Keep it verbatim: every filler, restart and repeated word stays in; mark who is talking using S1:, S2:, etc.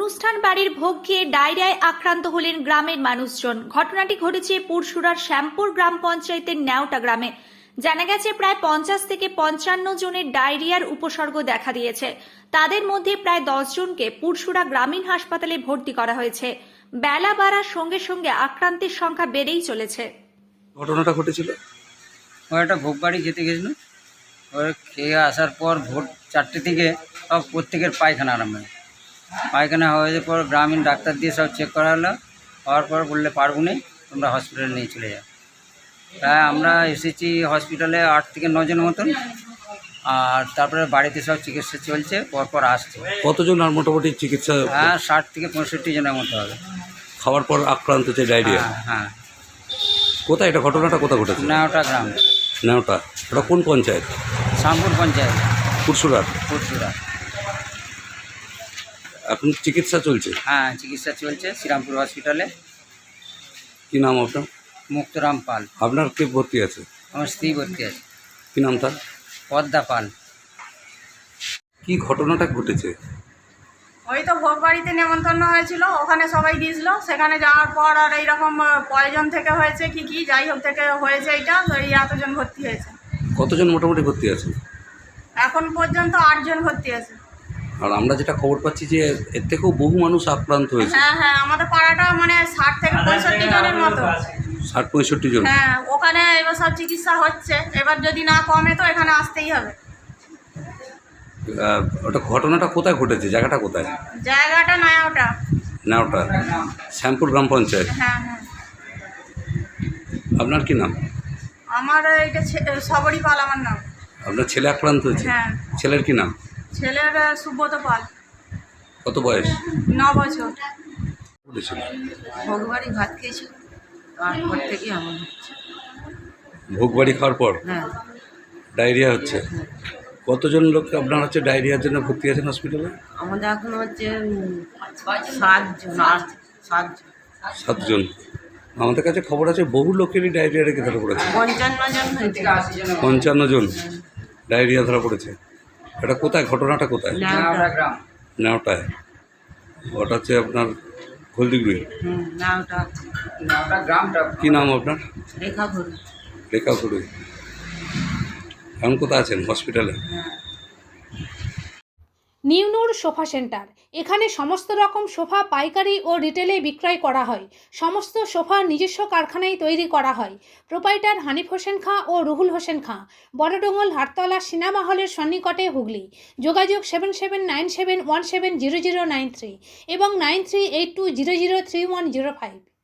S1: অনুষ্ঠান বাড়ির ভোগ খেয়ে ডায়রিয়ায় আক্রান্ত হলেন গ্রামের মানুষজন। ঘটনাটি ঘটেছে পুরসুরার শ্যামপুর গ্রাম পঞ্চায়েতের নেওটা গ্রামে। জানা গেছে প্রায় পঞ্চাশ থেকে পঞ্চান্ন জনের ডায়রিয়ার উপসর্গ দেখা দিয়েছে। তাদের মধ্যে প্রায় দশ জনকে পুরসুরা গ্রামীণ হাসপাতালে ভর্তি করা হয়েছে। বেলা বাড়ার সঙ্গে সঙ্গে আক্রান্তের সংখ্যা বেড়েই চলেছে।
S2: ঘটনাটা ঘটেছিল
S3: ও একটা ভোগ বাড়ি খেতে গেছিল। ওর খেয়ে আসার পর ভোর চারটে থেকে সব প্রত্যেকের পায়খানা আরম্ভ হয়। পায়খানা হওয়ার পর গ্রামীণ ডাক্তার দিয়ে সব চেক করা হলো। হওয়ার পর বললে পারবো না, তোমরা হসপিটালে নিয়ে চলে যাও। তাই আমরা এসেছি হসপিটালে আট থেকে নজন মতন, আর তারপরে বাড়িতে সব চিকিৎসা চলছে, পরপর আসছে।
S2: কতজন আর মোটামুটি চিকিৎসা
S3: হ্যাঁ, ষাট থেকে পঁয়ষট্টি জনের মতো হবে।
S2: খাওয়ার পর আক্রান্ত হচ্ছে ডায়রিয়া?
S3: হ্যাঁ হ্যাঁ
S2: কোথায় এটা ঘটনাটা কোথায় ঘটেছে?
S3: নেওটা গ্রাম।
S2: নেওটা, এটা কোন পঞ্চায়েত?
S3: শ্যামপুর পঞ্চায়েত,
S2: পুরসুরার।
S3: পুরসুরা।
S2: এখন চিকিৎসা চলছে?
S3: হ্যাঁ, চিকিৎসা চলছে শ্রীরামপুর হসপিটালে।
S2: কি নাম আপনার?
S3: মুক্তরাম পাল।
S2: আপনার কে ভর্তি আছে?
S3: আমার স্ত্রী ভর্তি আছে।
S2: কি নাম তার?
S3: পদ্মা পাল।
S2: কি ঘটনাটা ঘটেছে?
S4: ওই তো ভোগ বাড়িতে নেমন্তন্ন হয়েছিল, ওখানে সবাই গিয়েছিল। সেখানে যাওয়ার পর আর এইরকম পয়জন থেকে হয়েছে কি কি যাই হোক থেকে হয়েছে, এইটা তো এই এতজন ভর্তি হয়েছে।
S2: কতজন মোটামুটি ভর্তি আছে?
S4: এখন পর্যন্ত আটজন ভর্তি আছে।
S2: আর আমরা যেটা খবর পাচ্ছি যে এর থেকেও বহু মানুষ আক্রান্ত হয়েছে।
S4: হ্যাঁ হ্যাঁ, আমাদের পাড়াটা মানে ষাট থেকে পঁয়ষট্টি জনের মতো।
S2: ষাট পঁয়ষট্টি জন?
S4: হ্যাঁ, ওখানে এবার সব চিকিৎসা হচ্ছে। এবার যদি না কমে তো এখানে আসতেই হবে।
S2: আহ, ওটা ঘটনাটা কোথায় ঘটেছে? জায়গাটা কোথায়?
S4: জায়গাটা নয় ওটা।
S2: না, ওটা শ্যামপুর গ্রাম পঞ্চায়েত।
S4: হ্যাঁ হ্যাঁ।
S2: আপনার কি নাম?
S4: আমার এইটা সবরই পাল আমার নাম।
S2: আপনার ছেলে আক্রান্ত হয়েছে?
S4: হ্যাঁ।
S2: ছেলের কি নাম?
S4: ছেলের সুব্রত পাল।
S2: কত বয়স?
S4: ন বছর।
S2: ঘটেছিল?
S5: ভোগবাড়ি ভাত খেয়েছি, তারপর থেকে এমন হচ্ছে।
S2: ভোগ বাড়ি খাওয়ার পর
S5: হ্যাঁ,
S2: ডায়রিয়া হচ্ছে? কতজন লোক আপনার হচ্ছে ডায়রিয়ার জন্য ভর্তি আছেন হসপিটালে?
S5: আমাদের এখন হচ্ছে উম, সাতজন আট সাতজন
S2: সাতজন। আমাদের কাছে খবর আছে বহু লোকেরই ডায়রিয়া রেখে ধরা পড়েছে।
S5: পঞ্চান্ন জন হয়েছে।
S2: পঞ্চান্ন জন ডায়রিয়া ধরা পড়েছে। এটা কোথায়? ঘটনাটা কোথায়?
S3: নেওটা গ্রাম।
S2: নেওটায়। ওটা হচ্ছে আপনার হলদিগুড়ি।
S5: হুম, না ওটা
S3: নেওটা গ্রামটা।
S2: কী নাম আপনার?
S5: রেখা ঘুরি।
S2: রেখা ঘুরি। এখন কোথায় আছেন? হসপিটালে?
S5: হ্যাঁ।
S6: নিউনুর সোফা সেন্টার। এখানে সমস্ত রকম সোফা পাইকারি ও রিটেলে বিক্রয় করা হয়। সমস্ত সোফা নিজস্ব কারখানায় তৈরি করা হয়। প্রোপাইটার হানিফ হোসেন খাঁ ও রুহুল হোসেন খাঁ, বড়ডোঙ্গল হাটতলা সিনেমা হলের সন্নিকটে, হুগলি। যোগাযোগ seven seven nine seven one seven zero zero nine three এবং nine three eight two zero zero three one zero five.